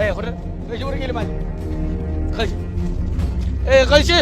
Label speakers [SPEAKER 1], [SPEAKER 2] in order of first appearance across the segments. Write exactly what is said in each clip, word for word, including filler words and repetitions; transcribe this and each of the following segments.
[SPEAKER 1] ए होर कशीवर गेली माझी कशी ए कशी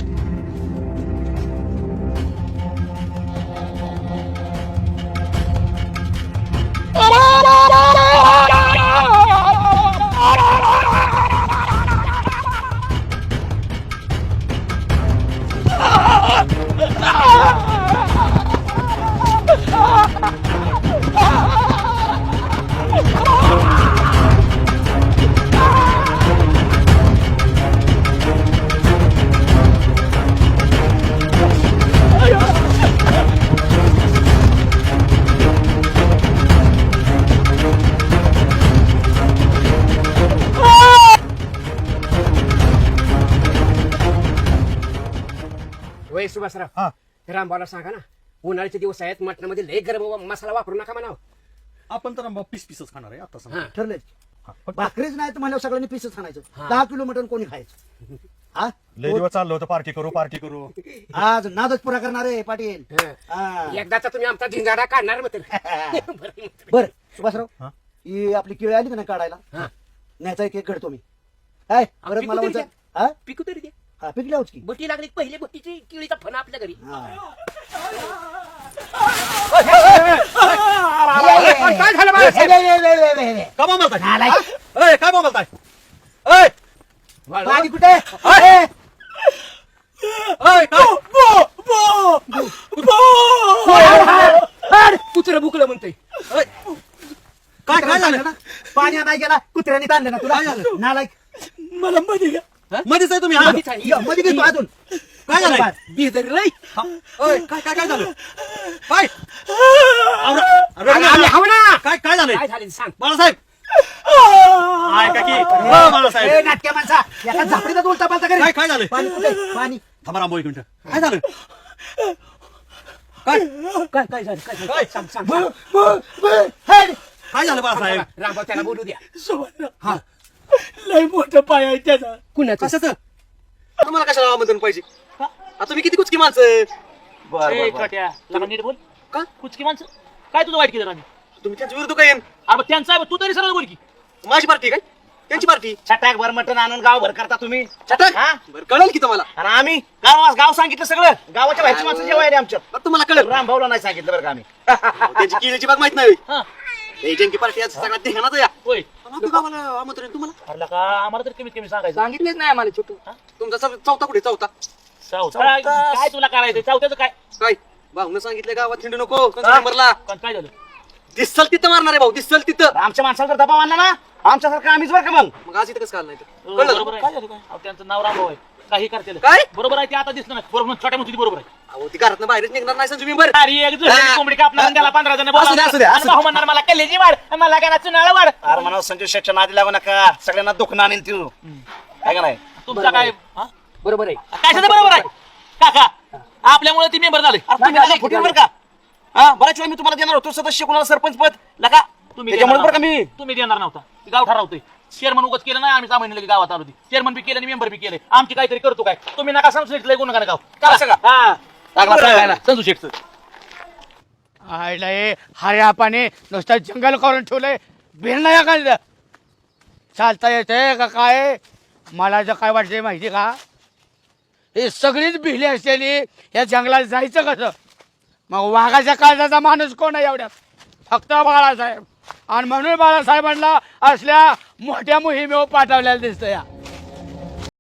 [SPEAKER 2] वय सुभाषराव रामभाऊला सांगा ना उन्हाळ्याचे दिवस आहेत मटणामध्ये लय गरम मसाला वापरू नका म्हणाव.
[SPEAKER 3] आपण तर पीस पीसच खाणार आहे आता सांगा.
[SPEAKER 4] ठरलंय भाकरीच नाही तर मला सगळ्यांनी पीसच खाणायचं. दहा किलो मटण कोणी खायचं? हा
[SPEAKER 3] लय दिवस चाललो होतं पार्टी करू पार्टी करू.
[SPEAKER 4] आज नादच पुरा करणार आहे पाटील.
[SPEAKER 2] एकदाचा तुम्ही आमचा झिंगाडा काढणार मग
[SPEAKER 4] बर सुभाषराव ही आपली केळी आली का नाही काढायला न्यायचा एक एक घडतो मी काय परत मला म्हणतो
[SPEAKER 2] पिकू तरी दे.
[SPEAKER 4] हा पिकल्याच की
[SPEAKER 2] बटी लागली पहिली बटीची किळीचा फणा आपल्या घरी. काय झालं
[SPEAKER 3] काय बोलताय काय बोलताय
[SPEAKER 4] पाणी कुठे
[SPEAKER 2] कुत्र बुकलं म्हणतोय.
[SPEAKER 3] काय काय झालं ना
[SPEAKER 4] पाणी नाही गेला कुत्र्याने ताणलं ना तुला नालायक
[SPEAKER 2] मला मध्ये घ्या
[SPEAKER 3] मध्येच आहे तुम्ही हा?
[SPEAKER 4] मध्ये घेतो अजून
[SPEAKER 3] काय झालं
[SPEAKER 2] बिदर लय
[SPEAKER 3] काय काय काय झालं काय
[SPEAKER 2] हवं ना.
[SPEAKER 3] काय काय झालं
[SPEAKER 2] काय झालं सांग.
[SPEAKER 3] बाळासाहेब ऐका की बाळासाहेब
[SPEAKER 4] नाटक्या माणसा एका झापडीचा उलटा पालता
[SPEAKER 3] काय काय झालं
[SPEAKER 4] पाणी कुठे पाणी
[SPEAKER 3] थांबा रामभाऊ एक मिनिट काय झालं काय
[SPEAKER 2] काय काय झालं काय झालं?
[SPEAKER 3] काय?
[SPEAKER 2] सांग सांग
[SPEAKER 3] काय झालं बाळासाहेब
[SPEAKER 2] रामभाऊ त्याला बोलू द्या.
[SPEAKER 3] हा
[SPEAKER 2] लय मोठं पाय आहे त्याचा. कुणाचं?
[SPEAKER 3] कशाचं तुम्हाला कशाला आमंत्रण पाहिजे आता तुम्ही किती कुचकी माणसं
[SPEAKER 5] ए, काट्या, लगा नीट बोल
[SPEAKER 3] का?
[SPEAKER 5] कुचकी माणसं काय तुझं वाईट केलं आम्ही
[SPEAKER 3] तुम्ही त्यांच्या विरुद्ध काय
[SPEAKER 5] अरे त्यांचा आहे, तू तरी सरळ बोल की
[SPEAKER 3] माझी पार्टी काय त्यांची पार्टी
[SPEAKER 5] छटाक भर मटण आणून गाव भर करता तुम्ही
[SPEAKER 3] छटाक
[SPEAKER 5] हा?
[SPEAKER 3] बरं कळेल की तुम्हाला
[SPEAKER 5] आणि आम्ही गाव गाव सांगितलं सगळं गावाच्या बाहेरची माणसं जेवाय आमच्या
[SPEAKER 3] बरं तुम्हाला कळेल
[SPEAKER 5] रामभाऊला नाही सांगितलं बरं का आम्ही
[SPEAKER 3] त्याची किल्ल्याची बाग माहित नाही
[SPEAKER 5] हा.
[SPEAKER 3] हे जंकी पार्टी आज सगळ्यात ध्यानात या
[SPEAKER 5] होय
[SPEAKER 3] आमच्या गावाला आमंत्रण तुम्हाला
[SPEAKER 5] अरे का आम्हाला तर कमीत कमी सांगायचं
[SPEAKER 2] सांगितलेच नाही आम्हाला छोटू.
[SPEAKER 3] तुमचा चौ- चौथा कुठे चौथा
[SPEAKER 5] चौथा काय काय तुला करायचं चौथ्याचं काय
[SPEAKER 3] काय भाऊन सांगितलं गावात हिंडू नको नंबरला
[SPEAKER 5] पण काय झालं
[SPEAKER 3] दिसल तिथं मारणार आहे भाऊ दिसल तिथं
[SPEAKER 5] आमच्या माणसाला जर दबाव आणला ना आमच्यासारखं आम्हीच बरं का मग
[SPEAKER 3] मग आज इथं कसं काल नाही तर?
[SPEAKER 5] हो,
[SPEAKER 3] कळलं
[SPEAKER 5] बरोबर आहे. काय झालं काय अहो, त्यांचं नाव रामभाऊ आहे काही करतील
[SPEAKER 3] काय?
[SPEAKER 5] बरोबर आहे ते आता दिसलं नाही बरोबर छोट्या मोठी बरोबर आहे
[SPEAKER 3] अहो ती घरात बाहेरच निघणार नाही संजू मेंबर
[SPEAKER 5] अरे एक जुळलेली कोंबडी कापणार त्याला पंधरा जण
[SPEAKER 3] असू दे, असू दे, असू दे.
[SPEAKER 5] भाऊ म्हणणार मला कलेजी वाढ मला काय चुनाळा वाढ अरे म्हणा संजय शेटच्या नादी लागू नका सगळ्यांना दुखणं आणेल तू काय का नाही तुमचा काय हा?
[SPEAKER 2] बरोबर आहे.
[SPEAKER 5] काय झालं बरोबर आहे काका आपल्यामुळे ती मेंबर झाले अरे तुम्ही नका फुटून बरं का हा बऱ्याच वेळा मी तुम्हाला देणार होतो सदस्य कोणाला सरपंच पद नका तुम्ही त्याच्यामुळे बरं का मी तुम्ही देणार नव्हता ते गाव ठरवतोय चेअरमन उगाच केलं नाही आम्ही सहा महिने लगे गावात आलो चेअरमन बी केलं आणि मेंबर बी केले आमची काहीतरी करतो काय तुम्ही नका समजू शेटलं गुण नका गाव का संजू शेटचं
[SPEAKER 1] आयला हे हऱ्या पाणी नुसतं जंगल करून ठेवलंय बिल नाही का चालता येते का काय मला जर काय वाटतंय माहिती का हे सगळीच भिली असलेली या जंगलात जायचं कसं मग वाघाच्या काळजाचा माणूस कोण आहे एवढ्यात फक्त बाळासाहेब आणि म्हणून बाळासाहेबांना असल्या मोठ्या मोहिमेवर पाठवलेल्या दिसतं या